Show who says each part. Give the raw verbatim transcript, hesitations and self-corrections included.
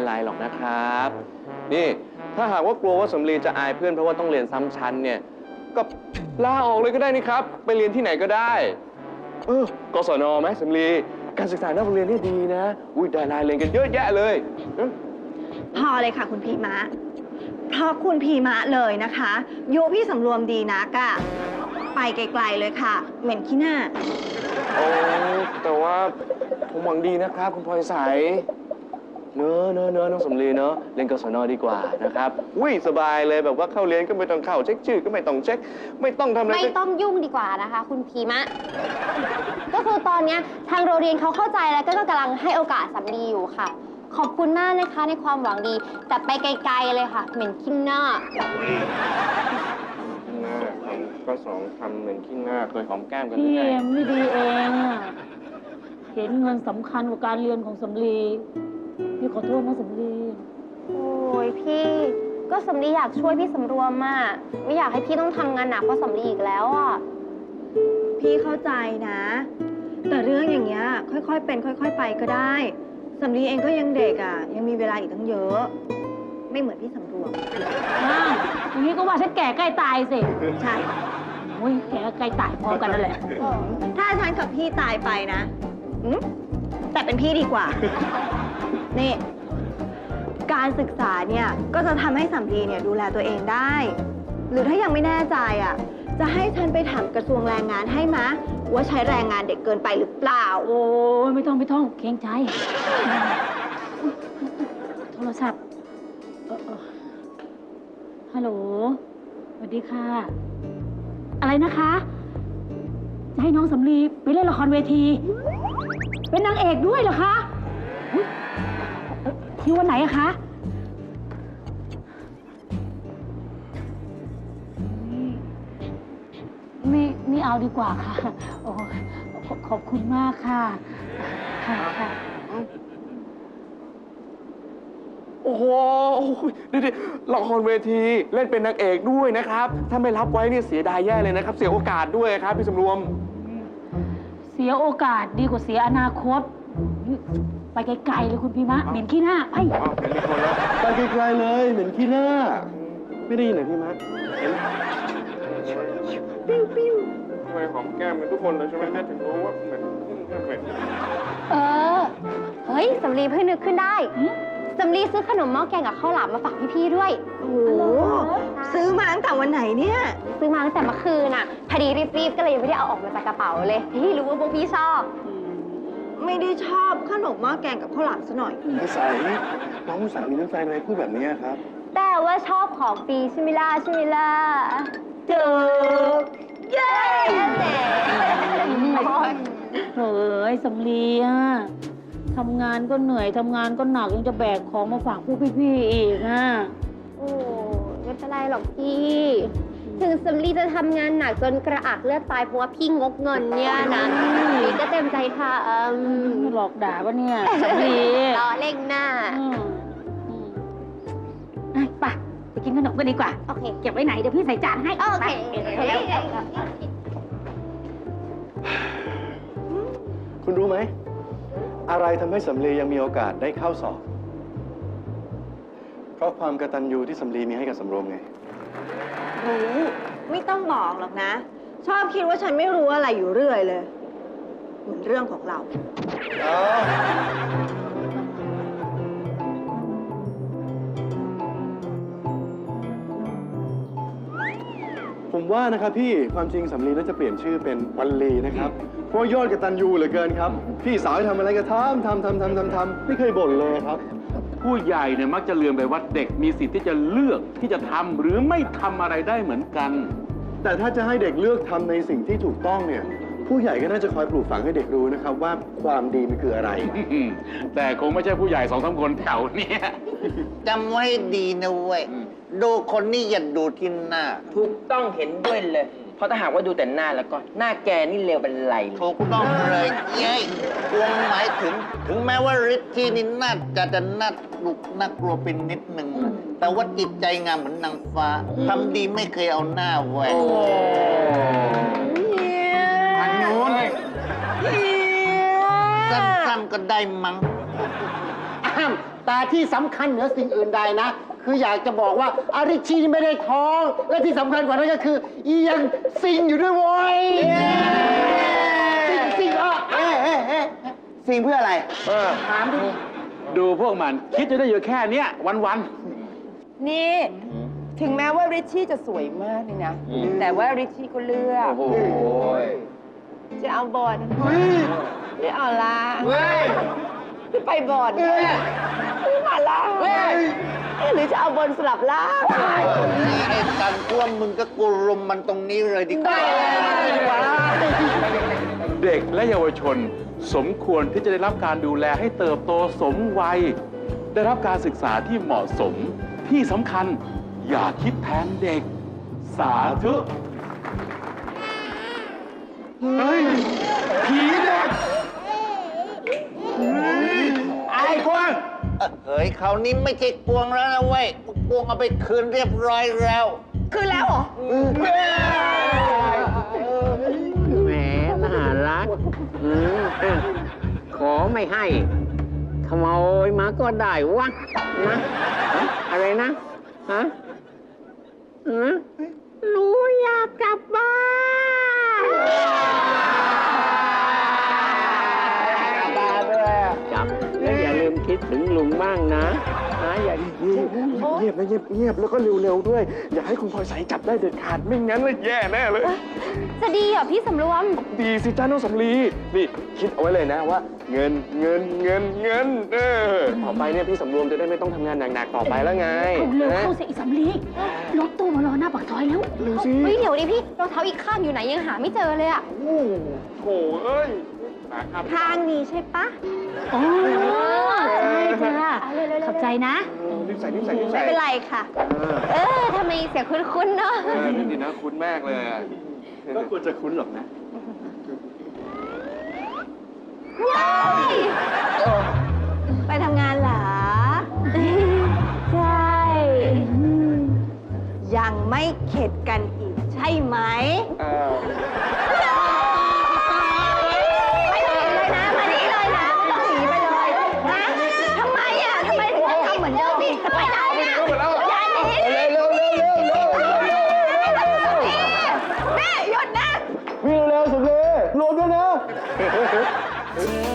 Speaker 1: ไรหรอกนะครับนี่ถ้าหากว่ากลัวว่าสำลีจะอายเพื่อนเพราะว่าต้องเรียนซ้ำชั้นเนี่ยก็ลาออกเลยก็ได้นี่ครับไปเรียนที่ไหนก็ได้เออกศนไหมสำลีการศึกษานอกโรงเรียนนี่ดีนะอุ้ยดาราเรียนกันเยอะแยะเลย
Speaker 2: พอเลยค่ะคุณพีมะเพราะคุณพีมะเลยนะคะยุพี่สำรวมดีนักอะไปไกลๆเลยค่ะเหม็นขี้หน้า
Speaker 1: โอ้แต่ว่าผมหวังดีนะครับคุณพลอยใสเนอะเนอะเนอะน้องสำลีเนอะเรียนกศนดีกว่านะครับอุ้ยสบายเลยแบบว่าเข้าเรียนก็ไม่ต้องเข้าเช็คชื่อก็ไม่ต้องเช็คไม่ต้องทำอะไร
Speaker 3: ไม่ต้องยุ่งดีกว่านะคะคุณพีมะก็คือตอนนี้ทางโรงเรียนเขาเข้าใจแล้วก็กำลังให้โอกาสสำลีอยู่ค่ะขอบคุณมากนะคะในความหวังดีแต่ไปไกลๆเลยค่ะเหม็นขี้หน้า
Speaker 1: หน้าคำก็สองคำเหมือนขี้หน้าเคยหอมแก้มกันหรือ
Speaker 4: พี่
Speaker 1: ไง
Speaker 4: เองไม่ดีเองอะเห็นเงินสำคัญกว่าการเรียนของสำลีพี่ขอโทษนะสำลี
Speaker 3: โอ้ยพี่ก็สำลีอยากช่วยพี่สำรวมมากไม่อยากให้พี่ต้องทำงานหนักเพราะสำลีอีกแล้วอ่ะ
Speaker 2: พี่เข้าใจนะแต่เรื่องอย่างเงี้ยค่อยๆเป็นค่อยๆไปก็ได้สำลีเองก็ยังเด็กอ่ะยังมีเวลาอีกตั้งเยอะไม่เหมือนพี่สำรวม
Speaker 4: อ้าวอย่างนี้ก็ว่าฉันแก่ใกล้ตายสิ
Speaker 2: ใช่
Speaker 4: โอ้ยแก่ใกล้ตายพร้อมกันนั่นแหละ
Speaker 2: ถ้าฉันกับพี่ตายไปนะแต่เป็นพี่ดีกว่านี่การศึกษาเนี่ยก็จะทำให้สำลีเนี่ยดูแลตัวเองได้ หรือถ้ายังไม่แน่ใจอ่ะจะให้ฉันไปถามกระทรวงแรงงานให้มะว่าใช้แรงงานเด็กเกินไปหรือเปล่า
Speaker 4: โอ้ยไม่ต้องไม่ต้องเกรงใจโทรศัพท์ฮัลโหลสวัสดีค่ะอะไรนะคะจะให้น้องสำลีไปเล่นละครเวทีเป็นนางเอกด้วยเหรอคะที่วันไหนอะคะไม่ไม่เอาดีกว่าค่ะโอ้ขอบคุณมากค่ะค่ะค่ะ
Speaker 1: โอ้โหนี่ละครเวทีเล่นเป็นนางเอกด้วยนะครับถ้าไม่รับไว้นี่เสียดายแย่เลยนะครับเสียโอกาสด้วยครับพี่สำรวม
Speaker 4: เสียโอกาสดีกว่าเสียอนาคตไปไกลๆเลยคุณพี่มะเหม็นขี้หน้าไป
Speaker 1: ไปไกลๆเลยเหม็นขี้หน้าไม่ได้ยินเหรอพี่มะเห็นปิ้วปิ้วทำไมหอมแก้มเป็นทุกคนเลยใช่ไหมแม่ถึงรู้ว่าเหมือนเหมือน
Speaker 3: เออเฮ้ยสำลีเพิ่งนึกขึ้นได้สำลีซื้อขนมหม้อแกงกับข้าวหลามมาฝากพี่ๆด้วย
Speaker 2: โอ้โหซื้อมาตั้งแต่วันไหนเนี่ย
Speaker 3: ซื้อมาตั้งแต่เมื่อคืนน่ะพอดีรีบๆก็เลยยังไม่ได้เอาออกมาจากกระเป๋าเลยที่รู้ว่าพวกพี่ชอบ
Speaker 2: ไม่ได้ชอบขนมหม้อแกงกับข้าวหลามซะหน่อย
Speaker 1: ไม่ใส่น้องสามีน้ำใจอะไรพูดแบบนี้ครับ
Speaker 3: แต่ว่าชอบของฟรีใช่ไหมล่ะใช่ไหมล่ะ
Speaker 2: เจอเย้
Speaker 4: เฮ้ยสำลีอะทำงานก็เหนื่อยทำงานก็หนักยังจะแบกของมาฝากพวกพี่ๆอีกอ่ะ
Speaker 3: โอ้ไม่เป็นไรหรอกพี่ถึงสำลีจะทำงานหนักจนกระอักเลือดตายเพราะว่าพี่งกเงินเนี่ยนะพี่ก็เต็มใจท
Speaker 4: ำหลอกด่าปะเนี่ยสำลี
Speaker 3: ล้อเล่งหน้า
Speaker 4: ไปไปกินขนมกันดีกว่า
Speaker 3: โอเค
Speaker 4: เก็บไว้ไหนเดี๋ยวพี่ใส่จานให้
Speaker 3: โอเค
Speaker 1: คุณรู้ไหมอะไรทำให้สำลียังมีโอกาสได้เข้าสอบเพราะความกตัญญูที่สำลีมีให้กับสำรวมไง
Speaker 2: รู้ไม่ต้องบอกหรอกนะชอบคิดว่าฉันไม่รู้อะไรอยู่เรื่อยเลยเหมือนเรื่องของเรา
Speaker 1: ผมว่านะครับพี่ความจริงสำลีน่าจะเปลี่ยนชื่อเป็นวันลีนะครับเพราะยอดกตัญญูเหลือเกินครับพี่สาวให้ทำอะไรก็ทำทำทำทำทำทำไม่เคยบ่นเลยครับ
Speaker 5: ผู้ใหญ่เนี่ยมักจะลืมไปว่าเด็กมีสิทธิ์ที่จะเลือกที่จะทำหรือไม่ทำอะไรได้เหมือนกัน
Speaker 1: แต่ถ้าจะให้เด็กเลือกทำในสิ่งที่ถูกต้องเนี่ยผู้ใหญ่ก็น่าจะคอยปลูกฝังให้เด็กรู้นะครับว่าความดีมันคืออะไร
Speaker 5: แต่คงไม่ใช่ผู้ใหญ่สองสามคนแถวนี้
Speaker 6: จำไว้ดีนะเว้ยดูคนนี่อย่าดูที่หน้า
Speaker 7: ถูกต้องเห็นด้วยเลยเพราะถ้าหากว่าดูแต่หน้าแล้วก็หน้าแกนี่เลวเป็นไร
Speaker 6: ถูกต้องเลยเย้กวงหมายถึงถึงแม้ว่าฤทธิ์ที่นี่น่าจะจะน่าลุกน่ากลัวเป็นนิดหนึ่งแต่ว่าจิตใจงามเหมือนนางฟ้าทำดีไม่เคยเอาหน้าไว้
Speaker 5: ทางโน้น
Speaker 6: สั้นๆก็ได้มั้ง
Speaker 7: อ้าม
Speaker 8: แต่ที่สำคัญเหนือสิ่งอื่นใดนะ คืออยากจะบอกว่าอาริชีนี่ไม่ได้ท้อง และที่สำคัญกว่านั้นก็คืออียังซิงอยู่ด้วยโว้ยซิงซิงอ่ะเอ๊ะเอ๊ะเอ๊ะ
Speaker 7: ซิงเพื่ออะไร
Speaker 5: เออ
Speaker 8: ถามดิ
Speaker 5: ดูพวกมันคิดจะได้อยู่แค่เนี้ยวัน
Speaker 9: นี่ ถึงแม้ว่าริชชี่จะสวยมากเลยนะ แต่ว่าริชชี่ก็เลือก
Speaker 1: โอ้โห
Speaker 9: จะเอาบอลหรือเอาลาหรือไปบอลหรือมาลาหรือจะเอาบอลสลับล่าง
Speaker 6: นี่ไอ้กันกลัวมึงก็กูรุมมันตรงนี้เลยดีกว่า
Speaker 5: ๆ เด็กและเยาวชนสมควรที่จะได้รับการดูแลให้เติบโตสมวัย ได้รับการศึกษาที่เหมาะสมที่สำคัญอย่าคิดแทนเด็ก สาธุเฮ้ย ผีเด็ก
Speaker 6: ไอ้กวางเฮ้ยคราวนี้ไม่ใช่กวงแล้วนะเว้ยกวงเอาไปคืนเรียบร้อยแล้ว
Speaker 9: คือแล้วเหรอ
Speaker 10: แหมน่ารักอืมอ่ะขอไม่ให้ ขโมยมาก็ได้วะนะฮะอะไรนะฮะฮะหนูอยากกลับบ้านจับแล้วอย่าลืมคิดถึงลุงบ้างนะนะอย่า
Speaker 1: เงียบนะเงียบเงียบแล้วก็เร็วๆด้วย อย่าให้คุณพลอยใสจับได้เด็ดขาดไม่งั้นเลยแย่แน่เลย
Speaker 3: จะดีเหรอพี่สำรวม
Speaker 1: ดีสิจ้าน้องสำลีนี่คิดเอาไว้เลยนะว่า เงินเงินเงินเงินเออต่อไปเนี่ยพี่สำรวมจะได้ไม่ต้องทำงานหนักๆต่อไปแล้วไง
Speaker 4: เอาเร็ว
Speaker 1: นะ
Speaker 4: เข้าเสียอีสำลีรถตู้มารอหน้าปากซอยแล้ว
Speaker 1: เร็วสิ
Speaker 3: เฮ้ยเดี๋ยวดิพี่รองเท้าอีกข้างอยู่ไหนยังหาไม่เจอเลยอะ
Speaker 1: โอ้โหเอ้ยมาครับ
Speaker 2: ทางนี้ใช่ปะ
Speaker 4: โอ้ใช่จ้าขอบใจนะ
Speaker 1: รีบใส่รีบใส่รีบใส่
Speaker 2: ไม่เป็นไรค่ะ
Speaker 3: เออทำไมเสียงคุ้นๆเนาะ
Speaker 1: เออนั่นดีนะคุ้นมากเลยอะ
Speaker 5: ก็ควรจะคุ้นหรอกนะ
Speaker 2: ไปทำงานเหรอ
Speaker 3: ใช่
Speaker 2: ยังไม่เข็ดกันอีกใช่ไหม
Speaker 1: เออ
Speaker 2: ไม่ต้องหนีเลยนะ มานี่เลยนะ ไม่ต้องหนีไปเลยนะทำไมอ่ะทำไมถึงต้องทำเหมือนเดิมพี่จะไปไหนอ่ะอย่าหนีเร็วเร็วเร็วเร็วแม่หยุดนะ
Speaker 1: วิ่งเร็วสุดเลยโหลดด้วยนะ
Speaker 2: เ